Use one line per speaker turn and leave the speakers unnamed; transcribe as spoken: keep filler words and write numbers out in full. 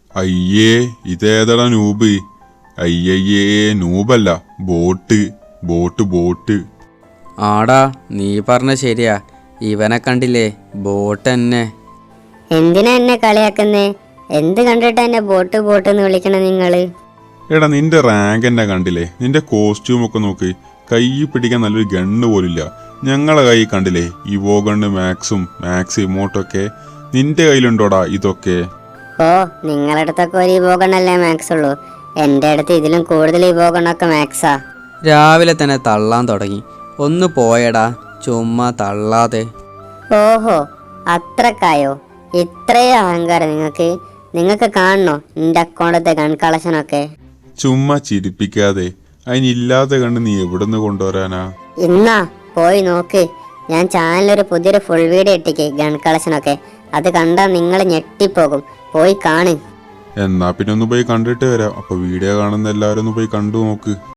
അയ്യേ ഇതേതടാ നൂബ്? അയ്യയ്യേ നൂബല്ല, ബോട്ട് ബോട്ട് ബോട്ട്.
ആടാ നീ പറഞ്ഞ ശരിയാ, ഇവനെ കണ്ടില്ലേ, ബോട്ട് തന്നെ.
എന്തിനാ എന്നെ കളിയാക്കുന്നേ? എന്ത് കണ്ടിട്ടാ എന്നെ ബോട്ട് ബോട്ട് എന്ന് വിളിക്കണ നിങ്ങള്?
എടാ നിന്റെ റാങ്ക് എന്നെ കണ്ടില്ലേ? നിന്റെ കോസ്റ്റ്യൂം ഒക്കെ നോക്ക്, കൈ പിടിക്കാൻ നല്ലൊരു ഗണ്ണ് പോലില്ല. ഞങ്ങളെ കൈ കണ്ടില്ലേ, ഇവോ ഗണ്ണ് മാക്സും മാക്സ് ഇമോട്ടൊക്കെ. നിന്റെ കയ്യിലുണ്ടോടാ ഇതൊക്കെ?
ഓ, നിങ്ങളുടെ അടുത്തൊക്കെ ഒരു ഇവോഗണ്ണല്ലേ മാക്സ് ഉള്ളൂ. എൻ്റെ അടുത്ത് ഇതിലും കൂടുതൽ ഇവോഗണ്ണൊക്കെ മാക്സാ.
രാവിലെ തന്നെ തള്ളാൻ തുടങ്ങി. ഒന്ന് പോയടാ, ചുമ്മാ തള്ളാതെ.
ഓഹോ, അത്രക്കായോ? ഇത്രയും അഹങ്കാരം നിങ്ങൾക്ക്? നിങ്ങൾക്ക് കാണണോ എൻ്റെ അക്കൗണ്ടത്തെ ഗൺ കളക്ഷനൊക്കെ?
ചുമ്മാ ചിരിപ്പിക്കാതെ. അതിനില്ലാതെ കണ്ട് നീ എവിടുന്ന് കൊണ്ടുവരാനാ?
ഇന്നാ പോയി നോക്ക്, ഞാൻ ചാനലൊരു പുതിയൊരു ഫുൾ വീഡിയോ ഇട്ടിക്ക് ഗൺ കളക്ഷനൊക്കെ. അത് കണ്ടാൽ നിങ്ങൾ ഞെട്ടിപ്പോകും. പോയി കാണ്.
എന്നാ പിന്നെ ഒന്ന് പോയി കണ്ടിട്ട് വരാം. അപ്പൊ വീഡിയോ കാണുന്ന എല്ലാവരും ഒന്ന് പോയി കണ്ടു നോക്ക്.